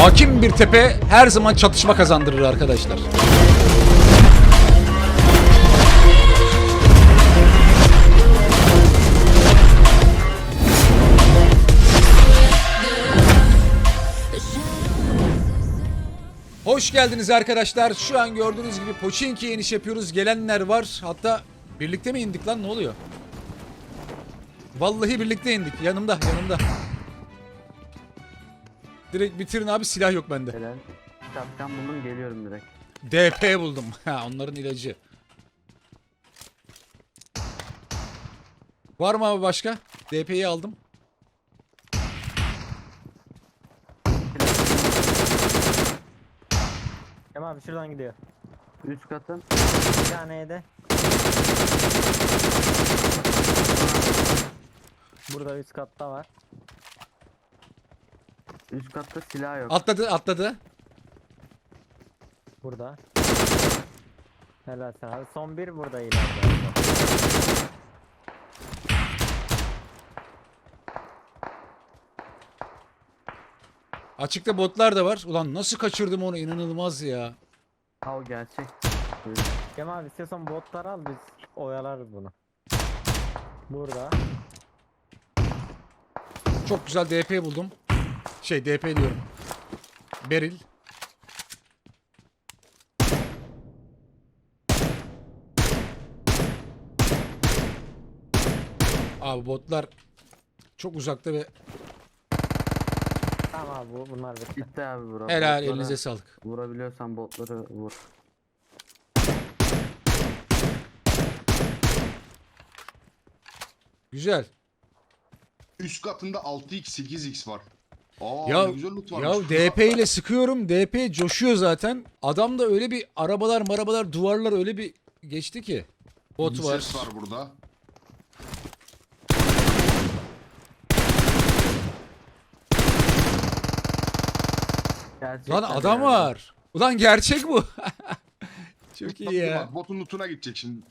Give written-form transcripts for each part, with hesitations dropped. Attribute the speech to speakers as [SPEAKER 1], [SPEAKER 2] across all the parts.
[SPEAKER 1] Hakim bir tepe her zaman çatışma kazandırır arkadaşlar. Hoş geldiniz arkadaşlar. Şu an gördüğünüz gibi Pochinki'ye iniş yapıyoruz. Gelenler var. Hatta birlikte mi indik lan? Ne oluyor? Vallahi birlikte indik. Yanımda. Direkt bitirin abi, silah yok bende.
[SPEAKER 2] Helal. Şapkan buldum, geliyorum direkt.
[SPEAKER 1] DP buldum. Ha, onların ilacı. Var mı abi başka? DP'yi aldım.
[SPEAKER 3] Kemal abi şuradan gidiyor.
[SPEAKER 2] Üst katın.
[SPEAKER 3] Bir tane de. Burada üst katta var.
[SPEAKER 2] Üst katta silah yok.
[SPEAKER 1] Atladı.
[SPEAKER 3] Burada. Helal sana abi. Son bir burada ileride.
[SPEAKER 1] Açıkta botlar da var. Ulan nasıl kaçırdım onu, inanılmaz ya.
[SPEAKER 2] Ha, o gerçek.
[SPEAKER 3] Kemal abi istiyorsan botları al, biz oyalarız bunu. Burada.
[SPEAKER 1] Çok güzel DP buldum. DP diyorum. Beril. Abi botlar çok uzakta ve
[SPEAKER 3] Tamam abi bunlar bitti.
[SPEAKER 2] Bitti abi bura.
[SPEAKER 1] helal,
[SPEAKER 2] Botlara
[SPEAKER 1] elinize sağlık.
[SPEAKER 2] Vurabiliyorsan botları vur.
[SPEAKER 1] Güzel.
[SPEAKER 4] Üst katında 6x 8x var.
[SPEAKER 1] Ya,
[SPEAKER 4] ne güzel loot
[SPEAKER 1] ya
[SPEAKER 4] varmış.
[SPEAKER 1] DP ile sıkıyorum. DP coşuyor zaten. Adam da öyle bir arabalar, duvarlar öyle bir geçti ki. Bot
[SPEAKER 4] Bir
[SPEAKER 1] var.
[SPEAKER 4] ses var burada.
[SPEAKER 2] Gerçekten
[SPEAKER 1] Lan adam
[SPEAKER 2] yani.
[SPEAKER 1] var. Ulan gerçek bu. Çok
[SPEAKER 4] Bak,
[SPEAKER 1] iyi ya.
[SPEAKER 4] bak, botun lootuna gidecek şimdi.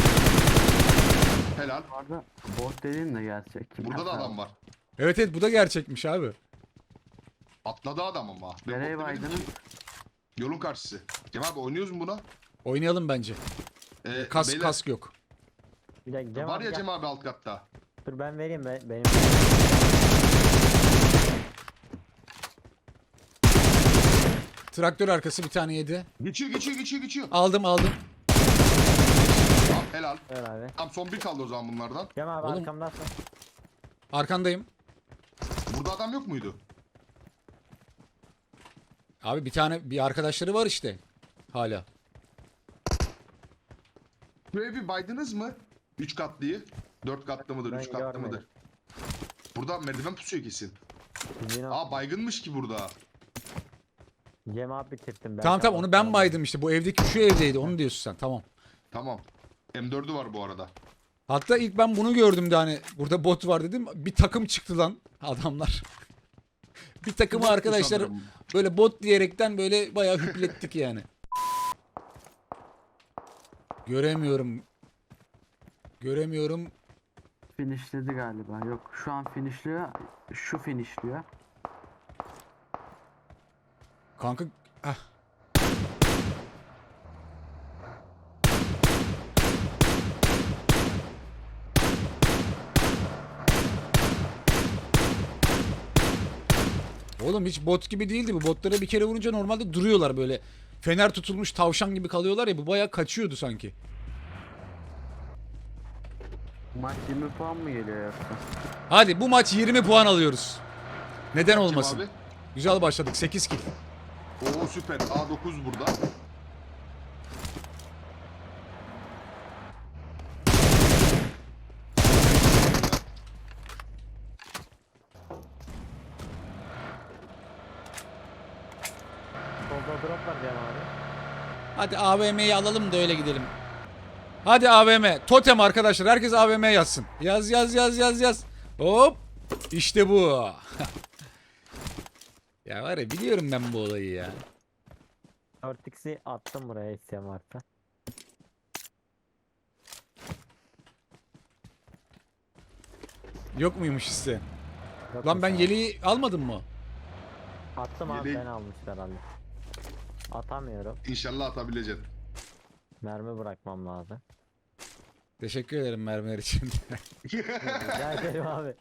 [SPEAKER 4] Helal.
[SPEAKER 2] Bu arada bot dediğin de gerçek.
[SPEAKER 4] Burada da adam var.
[SPEAKER 1] Evet bu da gerçekmiş abi.
[SPEAKER 4] Atladı adam ama. Ben
[SPEAKER 2] Nereye
[SPEAKER 4] bot demedim
[SPEAKER 2] baydınız?
[SPEAKER 4] ki. Yolun karşısı. Cem abi oynuyoruz mu buna?
[SPEAKER 1] Oynayalım bence.
[SPEAKER 4] Beyler,
[SPEAKER 1] Kask yok.
[SPEAKER 3] Bir dakika Cem
[SPEAKER 4] var
[SPEAKER 3] abi
[SPEAKER 4] ya
[SPEAKER 3] gel.
[SPEAKER 4] Cem abi alt katta.
[SPEAKER 3] Dur ben vereyim benim.
[SPEAKER 1] Traktör arkası bir tane yedi.
[SPEAKER 4] Geçiyor.
[SPEAKER 1] Aldım.
[SPEAKER 4] Tamam, helal.
[SPEAKER 3] Ver abi.
[SPEAKER 4] Tam son bir kaldı o zaman bunlardan.
[SPEAKER 3] Cem abi
[SPEAKER 1] Oğlum.
[SPEAKER 3] arkamdasın.
[SPEAKER 1] Arkandayım.
[SPEAKER 4] Burada adam yok muydu?
[SPEAKER 1] Abi bir arkadaşları var işte. Hala.
[SPEAKER 4] Buraya bir baydınız mı? 3 katlıyı. 4 katlı mıdır?
[SPEAKER 3] Ben
[SPEAKER 4] 3 katlı
[SPEAKER 3] görmedim.
[SPEAKER 4] mıdır? Burada merdiven pusuyor kesin.
[SPEAKER 3] Yine
[SPEAKER 4] Baygınmış ki burada.
[SPEAKER 3] Cem abi bitirdim ben.
[SPEAKER 1] Tamam onu ben baydım işte. Bu evdeki şu evdeydi. Onu diyorsun sen. Tamam.
[SPEAKER 4] Tamam. M4'ü var bu arada.
[SPEAKER 1] Hatta ilk ben bunu gördüm de hani burada bot var dedim. Bir takım çıktı lan adamlar. Bir takımı
[SPEAKER 4] Bottu
[SPEAKER 1] arkadaşlar
[SPEAKER 4] sanırım.
[SPEAKER 1] böyle bot diyerekten böyle bayağı hüplettik yani. Göremiyorum.
[SPEAKER 2] Finishledi galiba. Yok, şu an finishliyor. Şu finishliyor.
[SPEAKER 1] Kanka ah. Oğlum hiç bot gibi değildi bu. Botlara bir kere vurunca normalde duruyorlar böyle. Fener tutulmuş tavşan gibi kalıyorlar ya, bu bayağı kaçıyordu sanki.
[SPEAKER 2] Maç 20 puan mı geliyor yoksa?
[SPEAKER 1] Hadi bu maç 20 puan alıyoruz. Neden
[SPEAKER 4] Cem
[SPEAKER 1] olmasın?
[SPEAKER 4] abi.
[SPEAKER 1] Güzel başladık, 8 kill.
[SPEAKER 4] Oo süper. A9 burada.
[SPEAKER 3] Solda drop var Cem abi.
[SPEAKER 1] Hadi AVM'yi alalım da öyle gidelim. Hadi AVM. Totem arkadaşlar. Herkes AVM yazsın. Yaz. Hop. İşte bu. Ya var ya, biliyorum ben bu olayı ya.
[SPEAKER 3] 4x'i attım buraya isteyen varsa.
[SPEAKER 1] Yok muymuş isteyen?
[SPEAKER 3] Yok
[SPEAKER 1] Lan ben
[SPEAKER 3] mesela.
[SPEAKER 1] yeleği almadım mı?
[SPEAKER 3] Attım abi,
[SPEAKER 4] Yeleği-
[SPEAKER 3] beni almışlar herhalde. Atamıyorum.
[SPEAKER 4] İnşallah atabileceksin.
[SPEAKER 3] Mermi bırakmam lazım.
[SPEAKER 1] Teşekkür ederim mermiler için.
[SPEAKER 3] Rica ederim abi.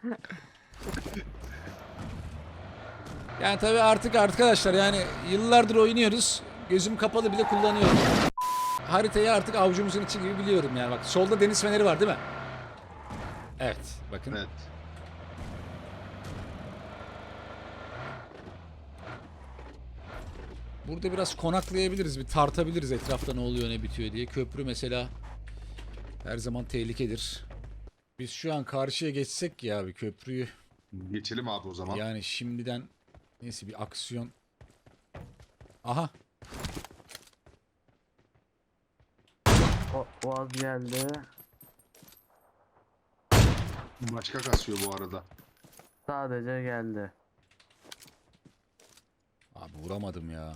[SPEAKER 1] Yani tabii artık arkadaşlar yani yıllardır oynuyoruz. Gözüm kapalı bile kullanıyorum. Haritayı artık avucumuzun içi gibi biliyorum yani. Bak solda deniz feneri var değil mi? Evet bakın.
[SPEAKER 4] Evet.
[SPEAKER 1] Burada biraz konaklayabiliriz. Bir tartabiliriz etrafta ne oluyor ne bitiyor diye. Köprü mesela her zaman tehlikedir. Biz şu an karşıya geçsek ya bir köprüyü.
[SPEAKER 4] Geçelim abi o zaman.
[SPEAKER 1] Yani şimdiden neyse bir aksiyon. Aha.
[SPEAKER 2] Boğaz geldi.
[SPEAKER 4] Başka kasıyor bu arada.
[SPEAKER 2] Sadece geldi.
[SPEAKER 1] Abi vuramadım ya.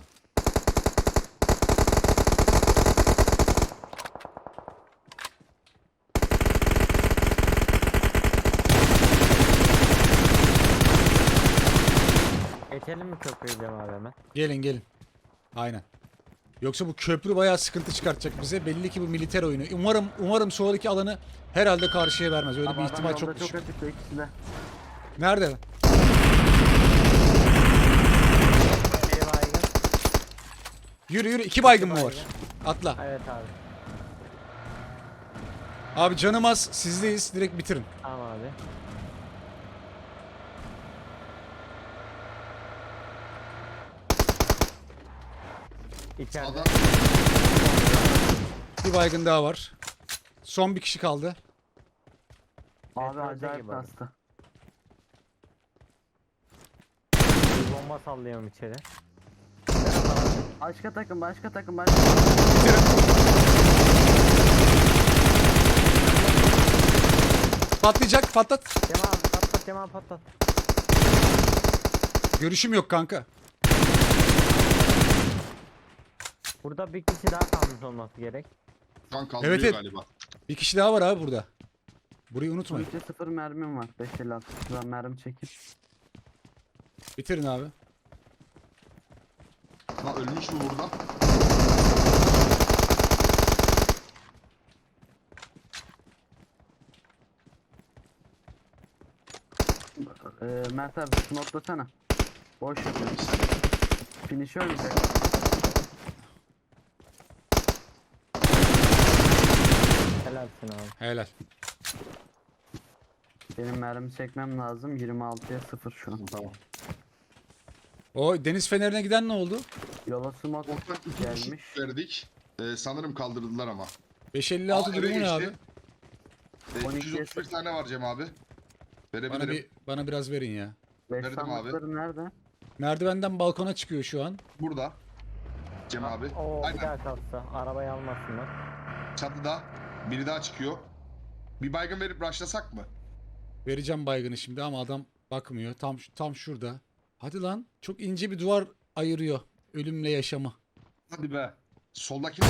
[SPEAKER 3] Geçelim mi köprüyü Cem abi hemen?
[SPEAKER 1] Gelin gelin. Aynen. Yoksa bu köprü bayağı sıkıntı çıkartacak bize. Belli ki bu militer oyunu. Umarım sonraki alanı herhalde karşıya vermez. Öyle
[SPEAKER 2] Abi
[SPEAKER 1] bir
[SPEAKER 2] adam
[SPEAKER 1] ihtimal
[SPEAKER 2] yolda
[SPEAKER 1] çok düşük.
[SPEAKER 2] açıkta ikisi de.
[SPEAKER 1] Nerede?
[SPEAKER 3] Bir baygın.
[SPEAKER 1] Yürü yürü. 2 baygın mı var? Atla.
[SPEAKER 3] Evet abi.
[SPEAKER 1] Abi canım az. Sizdeyiz. Direkt bitirin.
[SPEAKER 3] Tamam abi. İçeride.
[SPEAKER 4] Sağda.
[SPEAKER 1] Bir baygın daha var. Son bir kişi kaldı.
[SPEAKER 2] Abi
[SPEAKER 3] Metroda
[SPEAKER 2] acayip
[SPEAKER 3] gibi abi.
[SPEAKER 2] bastı.
[SPEAKER 3] Bir bomba sallıyorum içeri.
[SPEAKER 2] Başka takım.
[SPEAKER 1] Bitirin. Patlayacak. Patlat.
[SPEAKER 3] Cem abi patlat, Cem abi patlat.
[SPEAKER 1] Görüşüm yok kanka.
[SPEAKER 3] Burada bir kişi daha kalmış olması gerek.
[SPEAKER 4] Kan kaldırıyor
[SPEAKER 1] Evet, evet.
[SPEAKER 4] galiba.
[SPEAKER 1] Bir kişi daha var abi burada. Burayı unutmayın.
[SPEAKER 2] 3'e 0 mermim var. 5.56. Şuradan mermi çekip.
[SPEAKER 1] Bitirin abi.
[SPEAKER 4] Ha ölmüş mü burada?
[SPEAKER 2] Mert abi notlasana. Boş yapıyorum. Finish'i ölmeyecek.
[SPEAKER 3] Helalsin abi.
[SPEAKER 1] Helal.
[SPEAKER 2] Benim mermi çekmem lazım. 26'ya 0 şu an.
[SPEAKER 4] Tamam.
[SPEAKER 1] O deniz fenerine giden ne oldu?
[SPEAKER 2] Yola smoke
[SPEAKER 4] Ortadan iki
[SPEAKER 2] gelmiş.
[SPEAKER 4] kişi verdik. Sanırım kaldırdılar ama.
[SPEAKER 1] 556
[SPEAKER 4] Aa,
[SPEAKER 1] durumu
[SPEAKER 4] eve
[SPEAKER 1] ne abi?
[SPEAKER 4] geçti.
[SPEAKER 2] 12'ye
[SPEAKER 4] 231 tane var Cem abi. Verebilirim.
[SPEAKER 1] Bana biraz verin ya.
[SPEAKER 2] 5
[SPEAKER 4] Verdim abi.
[SPEAKER 2] sandıkları nerede?
[SPEAKER 1] Merdivenden balkona çıkıyor şu an.
[SPEAKER 4] Burada. Cem abi.
[SPEAKER 3] Oo bir
[SPEAKER 4] Aynen.
[SPEAKER 3] daha kalksa. Arabayı almasınlar.
[SPEAKER 4] Çatıda. Biri daha çıkıyor. Bir baygın verip rushlasak mı?
[SPEAKER 1] Vereceğim baygını şimdi ama adam bakmıyor. Tam şurada. Hadi lan. Çok ince bir duvar ayırıyor ölümle yaşamı.
[SPEAKER 4] Hadi be. Soldaki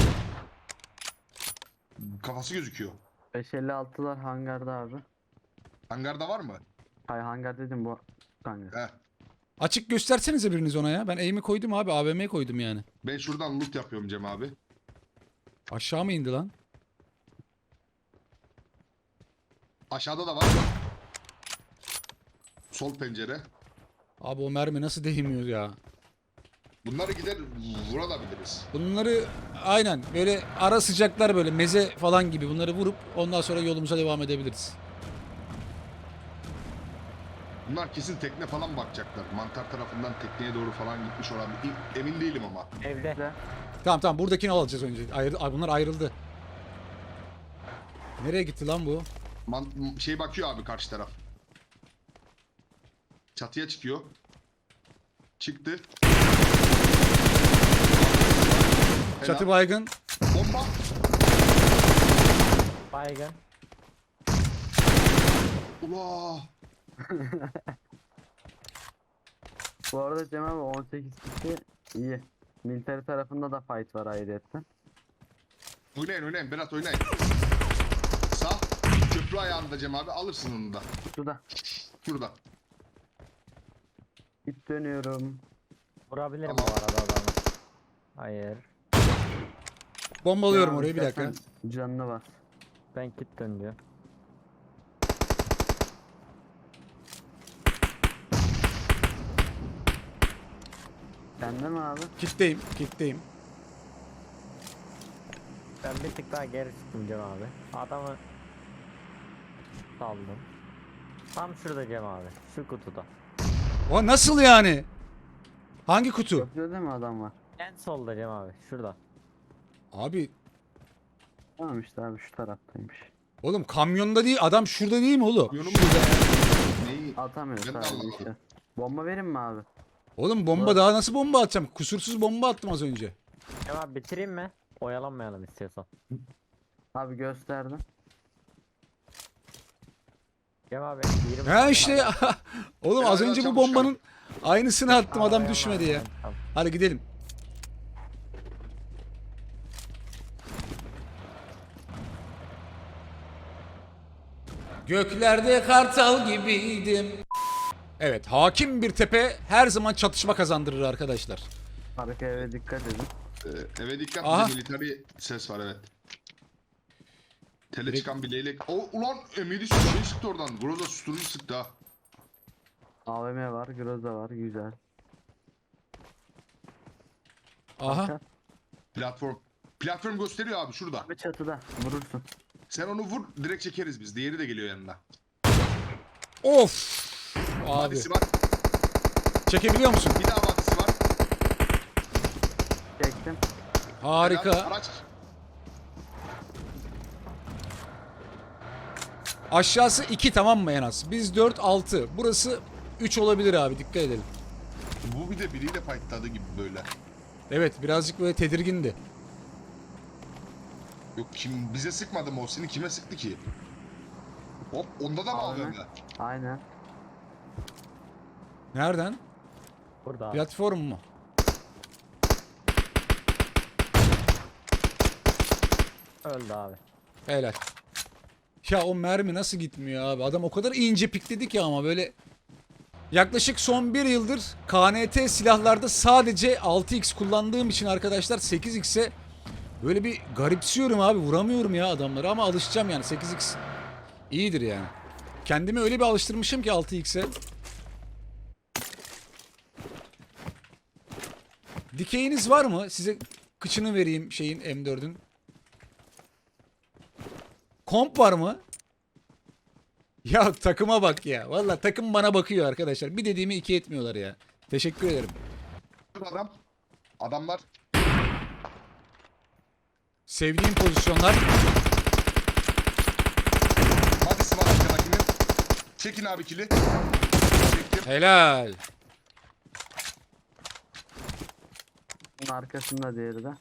[SPEAKER 4] kafası gözüküyor.
[SPEAKER 2] 556'lar hangarda abi.
[SPEAKER 4] Hangarda var mı?
[SPEAKER 2] Hay hangar dedim bu hangar.
[SPEAKER 4] He.
[SPEAKER 1] Açık göstersenize biriniz ona ya. Ben aim'i koydum abi. AVM'ye koydum yani.
[SPEAKER 4] Ben şuradan loot yapıyorum Cem abi.
[SPEAKER 1] Aşağı mı indi lan?
[SPEAKER 4] Aşağıda da var. Sol pencere.
[SPEAKER 1] Abi o mermi nasıl değmiyor ya?
[SPEAKER 4] Bunları gider vurabiliriz.
[SPEAKER 1] Bunları aynen böyle ara sıcaklar böyle meze falan gibi bunları vurup ondan sonra yolumuza devam edebiliriz.
[SPEAKER 4] Bunlar kesin tekne falan bakacaklar. Mantar tarafından tekneye doğru falan gitmiş olabilir. Emin değilim ama.
[SPEAKER 3] Evde.
[SPEAKER 1] Tamam buradakini alacağız önce. Bunlar ayrıldı. Nereye gitti lan bu?
[SPEAKER 4] Şey bakıyor abi karşı taraf. Çatıya çıkıyor. Çıktı.
[SPEAKER 1] Çatı
[SPEAKER 4] Helal.
[SPEAKER 1] baygın.
[SPEAKER 4] Bomba.
[SPEAKER 3] Baygın.
[SPEAKER 4] Ula.
[SPEAKER 2] Bu arada Cem abi 18 kişi iyi. Military tarafında da fight var ayrıyetten.
[SPEAKER 4] Oynayın Berat oynayın. Sağ. Köprü ayağında Cem abi alırsın onu da.
[SPEAKER 2] Şurada.
[SPEAKER 4] Şurada.
[SPEAKER 2] Git dönüyorum.
[SPEAKER 3] Vurabilirim
[SPEAKER 4] Tamam.
[SPEAKER 3] bu arada adamı. Hayır.
[SPEAKER 1] Bombalıyorum
[SPEAKER 2] Cem abi,
[SPEAKER 1] orayı bir dakika.
[SPEAKER 2] istersen Canına bas.
[SPEAKER 3] Ben kit dönüyor.
[SPEAKER 2] Sende mi abi?
[SPEAKER 1] Kitleyim, kitleyim.
[SPEAKER 3] Ben bir tık daha geri çıktım Cem abi. Adamı saldım. Tam şurada Cem abi. Şu kutuda.
[SPEAKER 1] O nasıl yani? Hangi kutu?
[SPEAKER 2] Köprüde de mi adam var?
[SPEAKER 3] En solda Cem abi. Şurada.
[SPEAKER 1] Abi
[SPEAKER 2] Tamam işte abi şu taraftaymış.
[SPEAKER 1] oğlum kamyonda değil, adam şurada değil mi oğlum?
[SPEAKER 4] Yönüm Neyi?
[SPEAKER 2] Atamıyor
[SPEAKER 4] Ben de
[SPEAKER 2] sadece
[SPEAKER 4] anlamadım.
[SPEAKER 2] işte. Bomba verin mi abi?
[SPEAKER 1] Oğlum bomba daha nasıl bomba atacağım? Kusursuz bomba attım az önce.
[SPEAKER 3] Cem abi bitireyim mi? Oyalanmayalım istiyorsan.
[SPEAKER 2] Abi gösterdim.
[SPEAKER 3] Cem abi 20
[SPEAKER 1] Ha işte ya. Oğlum az
[SPEAKER 4] Helal
[SPEAKER 1] önce bu
[SPEAKER 4] çabuk
[SPEAKER 1] bombanın aynısını attım, adam
[SPEAKER 3] Arabaya
[SPEAKER 1] düşmedi
[SPEAKER 3] var.
[SPEAKER 1] ya.
[SPEAKER 3] Tamam.
[SPEAKER 1] Hadi gidelim. Göklerde kartal gibiydim. Evet, hakim bir tepe her zaman çatışma kazandırır arkadaşlar.
[SPEAKER 2] Arka eve dikkat edin.
[SPEAKER 4] Eve dikkat,
[SPEAKER 1] Aha.
[SPEAKER 4] bir de military ses var evet. Tele
[SPEAKER 1] Direkt-
[SPEAKER 4] çıkan bir leylek. O ulan Emiri şey sıktı oradan. Groza susturucu sıktı ha.
[SPEAKER 2] AVM var, Groza var, güzel.
[SPEAKER 1] Aha.
[SPEAKER 2] Arka.
[SPEAKER 4] Platform. Platform gösteriyor abi şurada.
[SPEAKER 2] Abi çatıda vurursun.
[SPEAKER 4] Sen onu vur, direkt çekeriz biz. Diğeri de geliyor yanına.
[SPEAKER 1] Of. Abi.
[SPEAKER 4] Vadisi var.
[SPEAKER 1] Çekebiliyor musun?
[SPEAKER 4] Bir daha vadisi var.
[SPEAKER 2] Çektim.
[SPEAKER 1] Harika.
[SPEAKER 4] Helal, araç.
[SPEAKER 1] Aşağısı 2 tamam mı en az? Biz 4 6. Burası 3 olabilir abi, dikkat edelim.
[SPEAKER 4] Bu bir de biriyle fightladı gibi böyle.
[SPEAKER 1] Evet, birazcık böyle tedirgindi.
[SPEAKER 4] Yok kim bize sıkmadı mı o? Seni kime sıktı ki? Hop onda da mı
[SPEAKER 2] AVM.
[SPEAKER 4] aldın?
[SPEAKER 2] Aynen.
[SPEAKER 1] Nereden?
[SPEAKER 3] Burada abi.
[SPEAKER 1] Platform mu?
[SPEAKER 3] Öldü abi.
[SPEAKER 1] Helal. Ya o mermi nasıl gitmiyor abi? Adam o kadar ince pikledi ki ama böyle... Yaklaşık son 1 yıldır KNT silahlarda sadece 6x kullandığım için arkadaşlar 8x'e böyle bir garipsiyorum abi. Vuramıyorum ya adamları ama alışacağım yani, 8x iyidir yani. Kendimi öyle bir alıştırmışım ki 6x'e. Dikeyiniz var mı? Size kıçını vereyim şeyin, M4'ün. Komp var mı? Ya takıma bak ya. Vallahi takım bana bakıyor arkadaşlar. Bir dediğimi iki etmiyorlar ya. Teşekkür ederim.
[SPEAKER 4] Adam. Adamlar.
[SPEAKER 1] Sevdiğim pozisyonlar.
[SPEAKER 4] Vadisi var arkadakinin. Çekin abi kili. Çektim.
[SPEAKER 1] Helal.
[SPEAKER 2] Bunun arkasında diğeri de.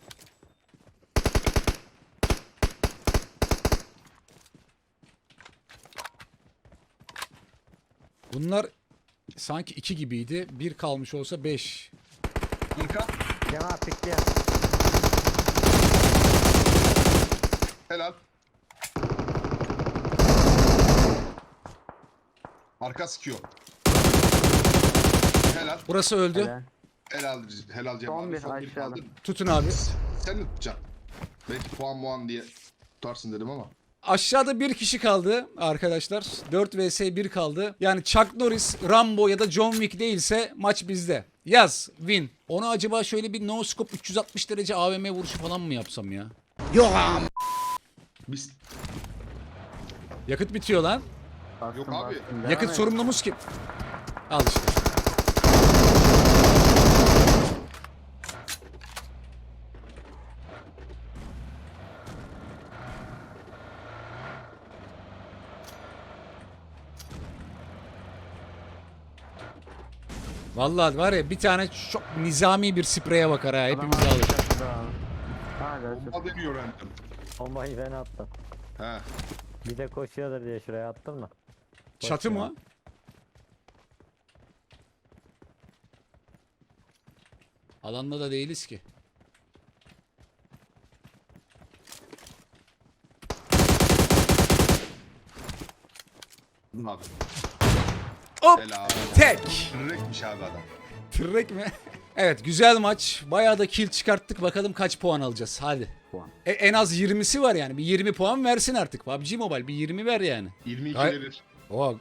[SPEAKER 1] Bunlar sanki 2 gibiydi. 1 kalmış olsa 5.
[SPEAKER 4] Arka.
[SPEAKER 3] Cem abi pikli ya.
[SPEAKER 4] Helal. Arka sıkıyor. Helal.
[SPEAKER 1] Burası öldü.
[SPEAKER 2] Helal.
[SPEAKER 4] Helal. Helal Cem
[SPEAKER 2] Son
[SPEAKER 4] abi.
[SPEAKER 2] bir
[SPEAKER 4] Son bir
[SPEAKER 2] aşağıda.
[SPEAKER 4] kaldı.
[SPEAKER 1] Tutun abi.
[SPEAKER 4] Sen mi tutacaksın? Belki puan diye tutarsın dedim ama.
[SPEAKER 1] Aşağıda bir kişi kaldı arkadaşlar. 4 vs 1 kaldı. Yani Chuck Norris, Rambo ya da John Wick değilse maç bizde. Yaz, win. Ona acaba şöyle bir no scope 360 derece AVM vuruşu falan mı yapsam ya?
[SPEAKER 4] Biz
[SPEAKER 1] Yakıt bitiyor lan.
[SPEAKER 2] Bastım,
[SPEAKER 4] Yok abi.
[SPEAKER 2] bastım. Devam
[SPEAKER 1] Yakıt
[SPEAKER 2] et.
[SPEAKER 1] sorumlumuz kim? Al işte. Vallahi var ya, bir tane çok nizami bir spreye bakar ha,
[SPEAKER 2] Adam
[SPEAKER 1] hepimizi
[SPEAKER 2] abi
[SPEAKER 1] alır.
[SPEAKER 2] çatıda abi. Hala
[SPEAKER 4] bomba deniyor random.
[SPEAKER 3] Bombayı ben attım.
[SPEAKER 4] He.
[SPEAKER 3] Bir de koşuyordur diye şuraya attım da.
[SPEAKER 1] Çatı
[SPEAKER 3] Boş ya.
[SPEAKER 1] mı? Alanda da değiliz ki.
[SPEAKER 4] Abi.
[SPEAKER 1] Hop!
[SPEAKER 4] Helal.
[SPEAKER 1] Tek!
[SPEAKER 4] Direktmiş abi adam.
[SPEAKER 1] Tırrek mi? Evet güzel maç. Bayağı da kill çıkarttık. Bakalım kaç puan alacağız. Hadi.
[SPEAKER 2] Puan.
[SPEAKER 1] En az 20'si var yani. Bir 20 puan versin artık. PUBG Mobile bir 20 ver yani.
[SPEAKER 4] 22
[SPEAKER 1] Gay-
[SPEAKER 4] verir.
[SPEAKER 1] Oh.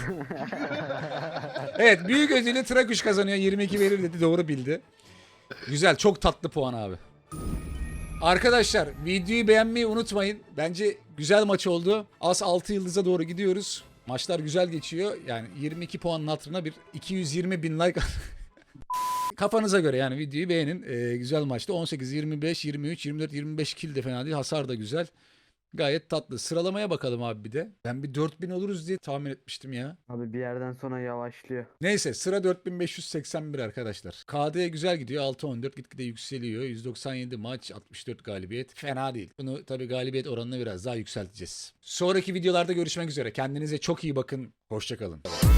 [SPEAKER 1] Evet büyük ödülü Trakuş kazanıyor. 22 verir dedi. Doğru bildi. Güzel. Çok tatlı puan abi. Arkadaşlar videoyu beğenmeyi unutmayın. Bence güzel maç oldu. Az 6 yıldıza doğru gidiyoruz. Maçlar güzel geçiyor. Yani 22 puanın hatırına bir 220 bin like. Kafanıza göre yani videoyu beğenin. Güzel maçtı. 18, 25, 23, 24, 25 kill de fena değil. Hasar da güzel. Gayet tatlı. Sıralamaya bakalım abi bir de. Ben bir 4000 oluruz diye tahmin etmiştim ya.
[SPEAKER 2] Abi bir yerden sonra yavaşlıyor.
[SPEAKER 1] Neyse sıra 4581 arkadaşlar. KD güzel gidiyor. 6-14 gitgide yükseliyor. 197 maç 64 galibiyet. Fena değil. Bunu tabii galibiyet oranını biraz daha yükselteceğiz. Sonraki videolarda görüşmek üzere. Kendinize çok iyi bakın. Hoşçakalın.